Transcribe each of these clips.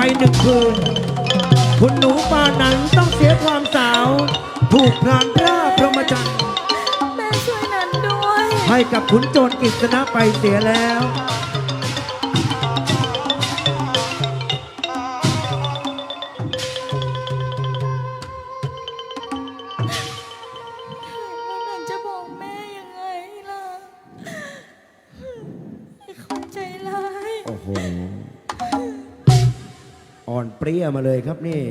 1 คืนคุณหนูปานันต้องเสียความสาวถูกพรานร่าพรหมจรรย์แม่ช่วยนันด้วยให้กับขุนโจรกฤษณะไปเสียแล้วนันจะบอกแม่ยังไงล่ะไอ้คนใจร้ายโอ้โหอ่อนเปรี้ยมาเลยครับนี่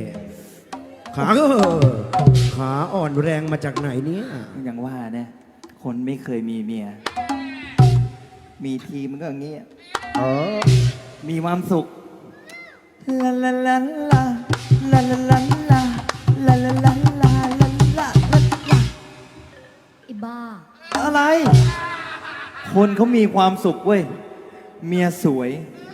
ขาอ่อนแรงมาจากไหนเนี่ยอย่างว่าเนี่ยคนไม่เคยมีเมีย มีทีมันก็อย่างนี้อ๋อมีความสุขลาลาลาลาลาลาลาลาลาลาลาลาลาลาลาอีบ้าอะไร คนเขามีความสุขเว้ย เมียสวย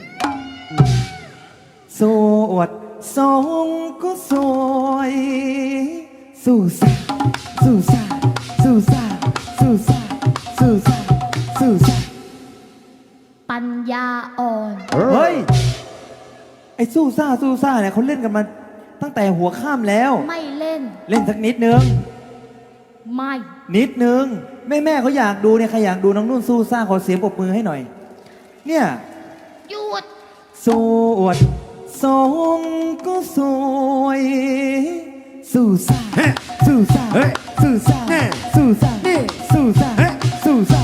โสดทรงก็สวยสู้ซ่าสู้ซ่าสู้ซ่าสู้ซ่าสู้ซ่าสู้ซ่าปัญญาอ่อนเฮ้ย ไอ้สู้ซ่าสู้ซ่าเนี่ยเขาเล่นกันมาตั้งแต่หัวข้ามแล้วไม่เล่นเล่นสักนิดนึงไม่นิดนึง แม่เขาอยากดูเนี่ยใครอยากดูน้องนุ่นสู้ซ่าขอเสียงปรบมือให้หน่อย เนี่ยหยุดสวดทรงก็สวยสู้ซ่าสู้ซ่าสู้ซ่าสู้ซ่าสู้ซ่าสู้ซ่า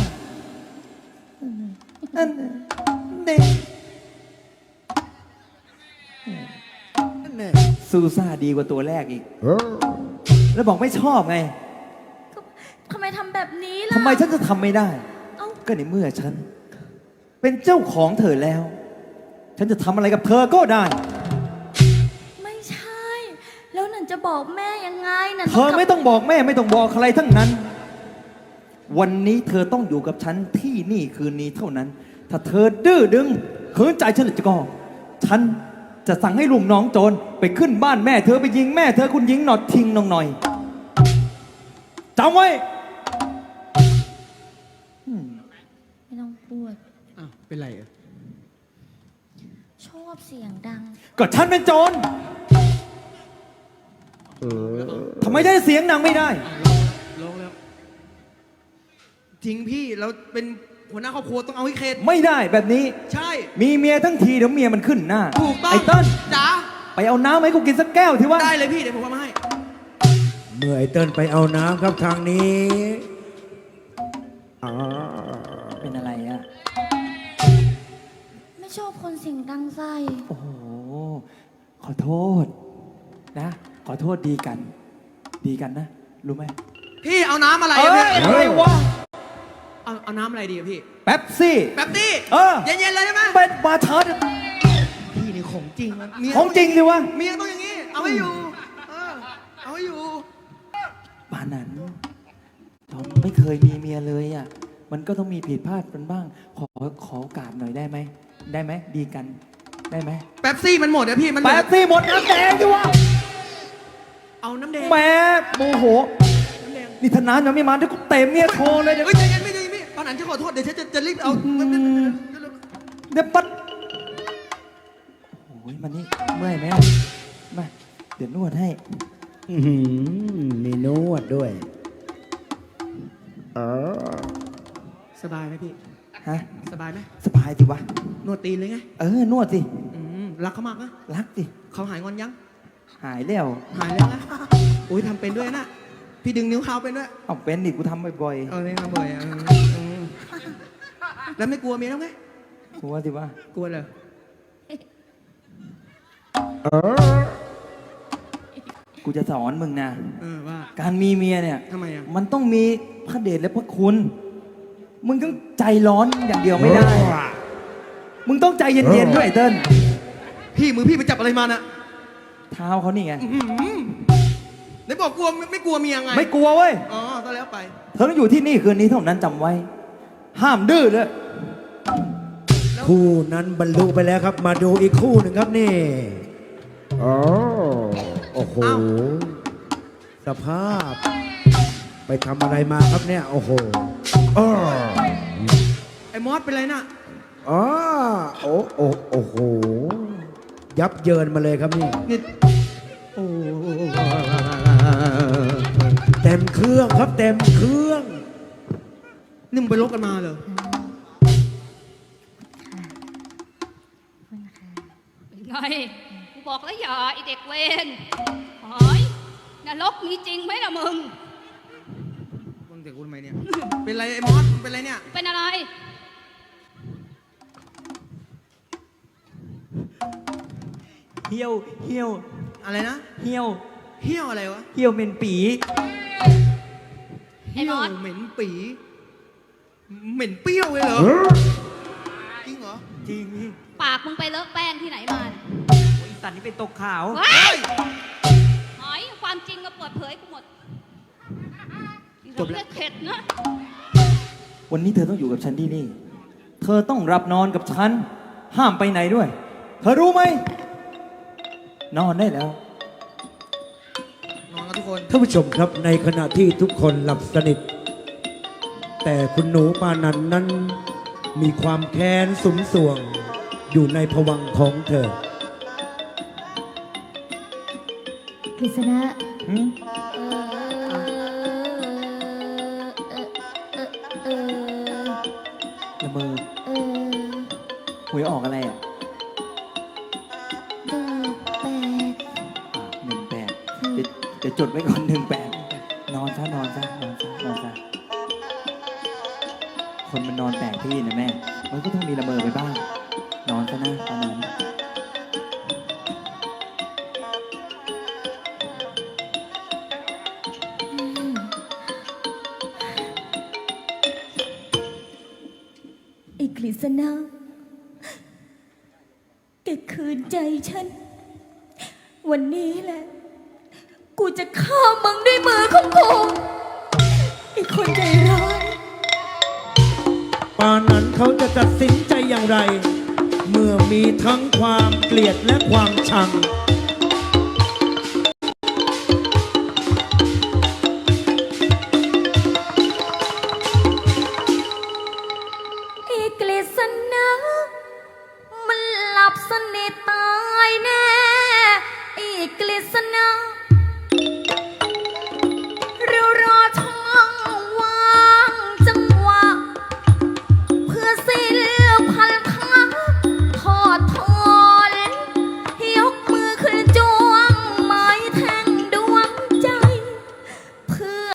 อันเด็กสู้ซ่าดีกว่าตัวแรกอีก แล้วบอกไม่ชอบไงทำไมทำแบบนี้ล่ะทำไมฉันจะทำไม่ได้เอ้าก็ในเมื่อฉัน เป็นเจ้าของเธอแล้ว ฉันจะทำอะไรกับเธอก็ได้ไม่ใช่ แล้วนันจะบอกแม่ยังไงนันเธอไม่ต้องบอกแม่ไม่ต้องบอกใครทั้งนั้น วันนี้เธอต้องอยู่กับฉันที่นี่คืนนี้เท่านั้น ถ้าเธอดื้อดึงขืนใจฉันจะก็ฉันจะสั่งให้ลุงน้องโจรไปขึ้นบ้านแม่เธอไปยิงแม่เธอคุณยิงหนอดทิ้งน้องหน่อยจำไว้ไม่ต้องพูดอ้าวเป็นไรอ่ะชอบเสียงดังก็ฉันเป็นโจรทำไมได้เสียงดังไม่ได้ลงแล้วจริงพี่เราเป็นหัวหน้าครอบครัวต้องเอาให้เคสไม่ได้แบบนี้ใช่มีเมียทั้งทีเดี๋ยวเมียมันขึ้นหน้าถูกต้องไอ้เติ้ลจ๋าไปเอาน้ำให้กูกินสักแก้วที่ว่าได้เลยพี่เดี๋ยวผมเอามาให้เมื่อไอ้เติ้ลไปเอาน้ำครับทางนี้อ๋อเป็นอะไรอ่ะไม่ชอบคนเสียงดังใส่โอ้โห ขอโทษนะ ขอโทษดีกัน ดีกันนะ รู้ไหมพี่เอาน้ำอะไรเอ้อะยพี่อะไรวะเอาน้ำอะไรดีอะพี่แป๊บซี่แป๊บตี้เออเย็นๆเลยใช่ไหมเป็นมาเชิดพี่นี่ของจริงมันเมียของจริงสิวะเมียต้องอย่างนี้เอาให้อยู่เอาให้อยู่ป่านนั้นเราไม่เคยมีเมียเลยอ่ะ มันก็ต้องมีผิดพลาดกันบ้าง ขอโอกาสหน่อยได้ไหม ได้ไหม ดีกัน ได้ไหมแป๊บซี่มันหมดอะพี่มันเหลืแป๊อบซี่หมดน้ำแดงสิวะเอาน้ำแดงแหม่โมโหน้ำแดงนี่ธนานยังไม่มาที่กูเตะเมียโชว์เลยเนี่ยเฮ้ยใจเย็นพี่ใจเย็นพี่ตอนนั้นฉันขอโทษเดี๋ยวฉันจะรีบเอาเดี๋ยวปัดโอ้ยมันนี่เมื่อยไหมมาเดี๋ยวนวดให้อื้อหือมีนวดด้วยอ๋อสบายไหมพี่ฮะสบายไหมสบายสิวะนวดตีนเลยไงนวดสิรักเขามากนะรักสิเขาหายงอนยังหายแล้วหายแล้วนะอุ้ยทำเป็นด้วยนะ พี่ดึงนิ้วเขาเป็นด้วยเอาเป็นดิกูทำบ่อยเออเล่นมาบ่อยแล้วไม่กลัวเมียแล้วไงๆกูว่าสิวะกลัวเลยกูจะสอนมึงนะว่าการมีเมียเนี่ยทำไมอ่ะมันต้องมีพระเดชและพระคุณ มึงต้องใจร้อนอย่างเดียวไม่ได้ มึงต้องใจเย็นๆด้วยไอ้เติ้ลพี่มือพี่ไปจับอะไรมาน่ะเท้าเขานี่ไงไหนบอกกลัวไม่กลัวเมียไงไม่กลัวเว้ยอ๋อก็แล้วไปเธอต้องอยู่ที่นี่คืนนี้เท่านั้นจำไว้ ห้ามดื้อเลยคู่นั้นบรรลุไปแล้วครับ มาดูอีกคู่หนึ่งครับนี่อ๋อโอ้โหอ้าวสภาพ ไปทำอะไรมาครับเนี่ย โอ้โหอ้อไอ้มอสเป็นไรน่ะอ๋อโอ้โอ้โอ้โหยับเยินมาเลยครับนี่นี่โอ้เต็มเครื่องครับเต็มเครื่องนี่มึงไปลบกันมาเหรอเป็นไงกูบอกแล้วอย่าไอเด็กเวนหอยนรกมีจริงไหมล่ะมึงมึงเด็กกูทำไมเนี่ย เป็นไรไอ้มอสมึงเป็นไรเนี่ยเป็นอะไรเหี่ยวอะไรนะเหี่ยวเหี้ยวอะไรวะเหี่ยวเป็นปีไอ้มอสเหม็นปี เหม็นเปรี้ยวเลยเหรอ จริงเหรอจริงพี่ปากมึงไปเลอะแป้งที่ไหนมาเนี่ยโอ้ยสันนี่เป็นตกขาวเฮ้ยหอยความจริงก็เปิดเผยกูหมดจบแล้วเข็ดนะวันนี้เธอต้องอยู่กับฉันที่นี่ เธอต้องรับนอนกับฉัน ห้ามไปไหนด้วย เธอรู้ไหม นอนได้แล้วนอนกันทุกคนท่านผู้ชมครับในขณะที่ทุกคนหลับสนิท แต่คุณหนูปานันนั้นมีความแค้นสุมสวง อยู่ในภวังค์ของเธอกฤษณะหืมเออละเมอเออหวยออกอะไรอ่ะ 18 เดี๋ยวจดไว้ก่อน18นอนซะนอนซะนอนซะนอนซะคนมันนอนแปลกที่นะแม่ มันก็ต้องมีละเมอไปบ้าง นอนซะนะตอนนั้นไอ้กฤษณะแกคืนใจฉัน วันนี้แหละ กูจะฆ่ามึงด้วยมือของกูไอ้คนใจร้ายปานั้นเขาจะตัดสินใจอย่างไร เมื่อมีทั้งความเกลียดและความชังไอ้กฤษณะมันหลับสนิทตายแน่